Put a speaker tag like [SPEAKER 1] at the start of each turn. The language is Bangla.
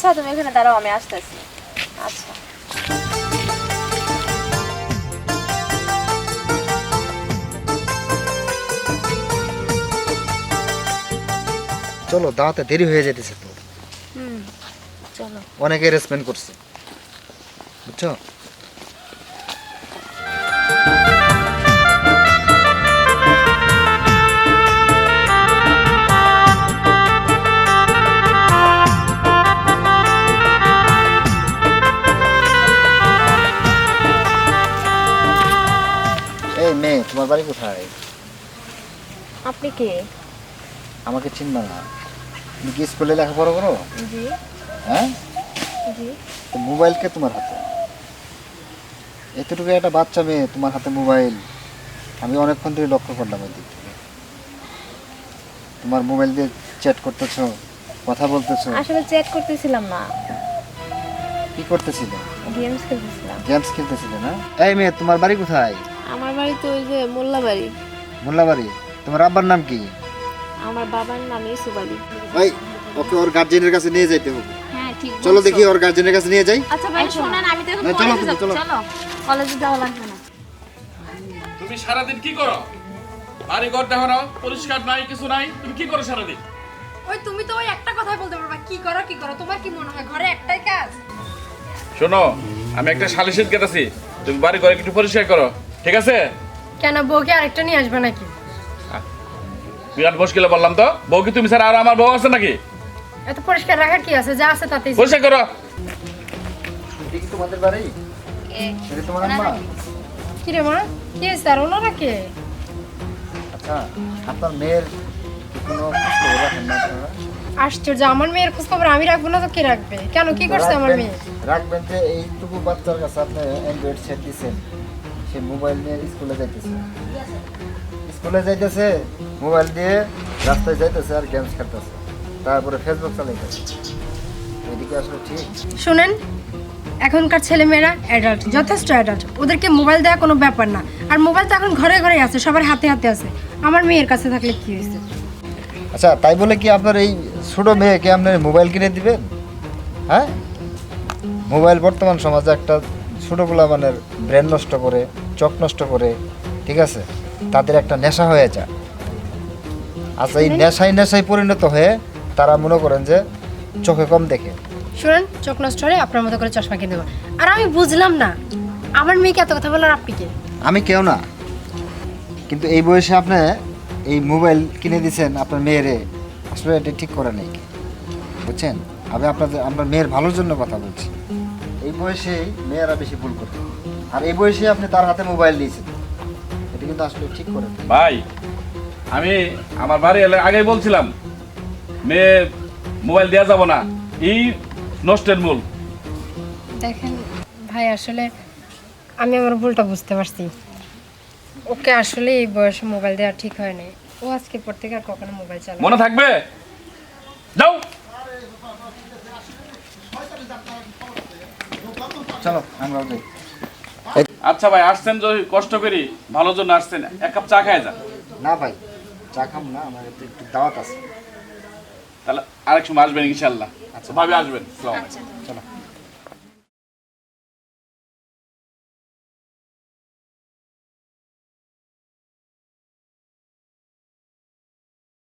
[SPEAKER 1] আচ্ছা তুমি এখানে দাঁড়াও, আমি আসতেছি। আচ্ছা
[SPEAKER 2] চলো, দাওয়াতে দেরি হয়ে যেতেছে তো।
[SPEAKER 1] হুম চলো।
[SPEAKER 2] অনেক অ্যারেঞ্জমেন্ট করছে, বুঝছো? এই মেয়ে, তোমার বাড়ি কোথায়?
[SPEAKER 1] আপনি কে?
[SPEAKER 2] আমাকে চিনবা না? তুমি কি স্কুলে লেখাপড়া করো?
[SPEAKER 1] জি
[SPEAKER 2] হ্যাঁ,
[SPEAKER 1] জি।
[SPEAKER 2] তো মোবাইল কে তোমার হাতে? এতটুকু একটা বাচ্চা মেয়ে, তোমার হাতে মোবাইল। আমি অনেকক্ষণ ধরে লক্ষ্য করলাম ওই দিক থেকে। তোমার মোবাইল দিয়ে চ্যাট করতেছো, কথা বলতেছো।
[SPEAKER 1] আসলে চ্যাট করতেছিলাম না,
[SPEAKER 2] কি করতেছিলে?
[SPEAKER 1] গেমস খেলতেছিলাম।
[SPEAKER 2] গেমস খেলতেছিলে না? এই মেয়ে, তোমার বাড়ি কোথায়?
[SPEAKER 1] আমার বাড়ি তো ওই যে মোল্লা বাড়ি।
[SPEAKER 2] মোল্লাবাড়ি। তোমার আব্বার নাম কি?
[SPEAKER 1] আমার বাবার নাম ইউসুফ আলী।
[SPEAKER 2] ভাই, ওকে ওর গার্জিয়ানের কাছে নিয়ে যাইতে হবে।
[SPEAKER 1] হ্যাঁ ঠিক
[SPEAKER 2] চলো দেখি ওর গার্জিয়ানের কাছে নিয়ে যাই।
[SPEAKER 1] আচ্ছা ভাই শুনেন, আমি তো এখন
[SPEAKER 2] না, চলো,
[SPEAKER 1] কলেজে যাব।
[SPEAKER 2] চলো।
[SPEAKER 1] চলো কলেজে যাওয়া লাগবে না।
[SPEAKER 3] তুমি সারাদিন কি করো? বাড়ি ঘর দেখো না, পরিষ্কার নাই, কিছু নাই, তুমি কি করো সারাদিন?
[SPEAKER 4] ওই তুমি তো ওই একটা কথাই বলতে পারবা, কি করো কি করো, তোমার কি মনে হয় ঘরে একটাই কাজ?
[SPEAKER 3] শোনো, আমি একটা সালিশিত গেতেছি, তুমি বাড়ি ঘরে একটু পরিষ্কার করো, ঠিক আছে?
[SPEAKER 4] কেন বউকে আরেকটা নিয়ে আসবে নাকি?
[SPEAKER 3] বিরাট মুশকিলে বললাম তো, বউ কি তুমি স্যার আর আমার বউ আছে নাকি?
[SPEAKER 4] এত পরিষ্কার রাখার কি আছে, যা আছে তাতেই।
[SPEAKER 3] পরিষ্কার করো।
[SPEAKER 2] এটা কি তোমাদের বাড়ি? এটা তোমার আম্মা?
[SPEAKER 4] কি রে মা, কি হয়েছে? আর ওনারা কে?
[SPEAKER 2] আচ্ছা, আপনার মেয়ের কি কোনো খোঁজ খবর রাখেন না আপনারা?
[SPEAKER 4] আশ্চর্য, আমার মেয়ের খোঁজ খবর আমি রাখবো না তো কে রাখবে? কেন, কি করছে আমার মেয়ে?
[SPEAKER 2] রাখবেন যে এইটুকু বাচ্চার কাছে আপনি অ্যান্ড্রয়েড সেট দিচ্ছেন, সে মোবাইল নিয়ে স্কুলে যাইতেছে। স্কুলে যাইতেছে মোবাইল দিয়ে, রাস্তায় যাইতেছে আর গেমস খেলতেছে, তারপরে ফেসবুক চালাইতেছে। এদিকে আসলে ঠিক?
[SPEAKER 4] শুনেন, এখনকার ছেলেমেয়েরা অ্যাডাল্ট, যথেষ্ট অ্যাডাল্ট, ওদেরকে মোবাইল দেওয়া কোনো ব্যাপার না। আর মোবাইল তো এখন ঘরে ঘরে আছে, সবার হাতে হাতে আছে। আমার মেয়ের কাছে থাকলে কি হয়েছে?
[SPEAKER 2] আচ্ছা, তাই বলে কি আপনার এই ছোট মেয়েকে আপনার মোবাইল কিনে দিবেন? হ্যাঁ, মোবাইল বর্তমান সমাজে একটা ছোটোগুলা মানে ব্রেন নষ্ট করে, চোখ নষ্ট করে, ঠিক আছে? তাদের একটা নেশা হয়ে যায়। আচ্ছা, এই নেশায় পরিণত হয়ে তারা মনে করেন যে চোখে কম দেখে।
[SPEAKER 4] শুনেন, চোখ নষ্ট হলে আপনার মতো করে চশমা কিনে দেবো। আর আমি বুঝলাম না, আমার মেয়েকে এত কথা বলার আপনি কে?
[SPEAKER 2] আমি কেউ না, কিন্তু এই বয়সে আপনি এই মোবাইল কিনে দিয়েছেন আপনার মেয়েরে, আসলে এটা ঠিক করে নেই, বুঝছেন? আমি আপনার মেয়ের ভালোর জন্য কথা বলছি। এই বয়সেই মেয়েরা বেশি ভুল করে, আর এই বয়সে আপনি তার হাতে মোবাইল দিয়েছেন, এটা কিন্তু আসলে ঠিক করে না।
[SPEAKER 3] ভাই, আমি আমার বাড়ি এলে আগেই বলছিলাম, মেয়ে মোবাইল দেওয়া যাব না, এই নষ্টের মূল।
[SPEAKER 4] দেখেন ভাই, আসলে আমি আমার ভুলটা বুঝতে পারছি। ওকে আসলে এই বয়সে মোবাইল দেওয়া ঠিক হয় না। ও আজকের পর থেকে আর কখনো মোবাইল চালাবে
[SPEAKER 3] মনে থাকবে? যাও।
[SPEAKER 2] চলো আমরা যাই।
[SPEAKER 3] আচ্ছা ভাই, আসছেন যদি কষ্ট করি, ভালোর জন্য আসছেন, এক কাপ চা খায় যান।
[SPEAKER 2] না ভাই, চা খাম না, আমার একটু দাওয়াত আছে।
[SPEAKER 3] তাহলে আরেক সময় আসবেন ইনশাল্লাহ। আচ্ছা ভাবে আসবেন। আসসালামু আলাইকুম।
[SPEAKER 2] চলো।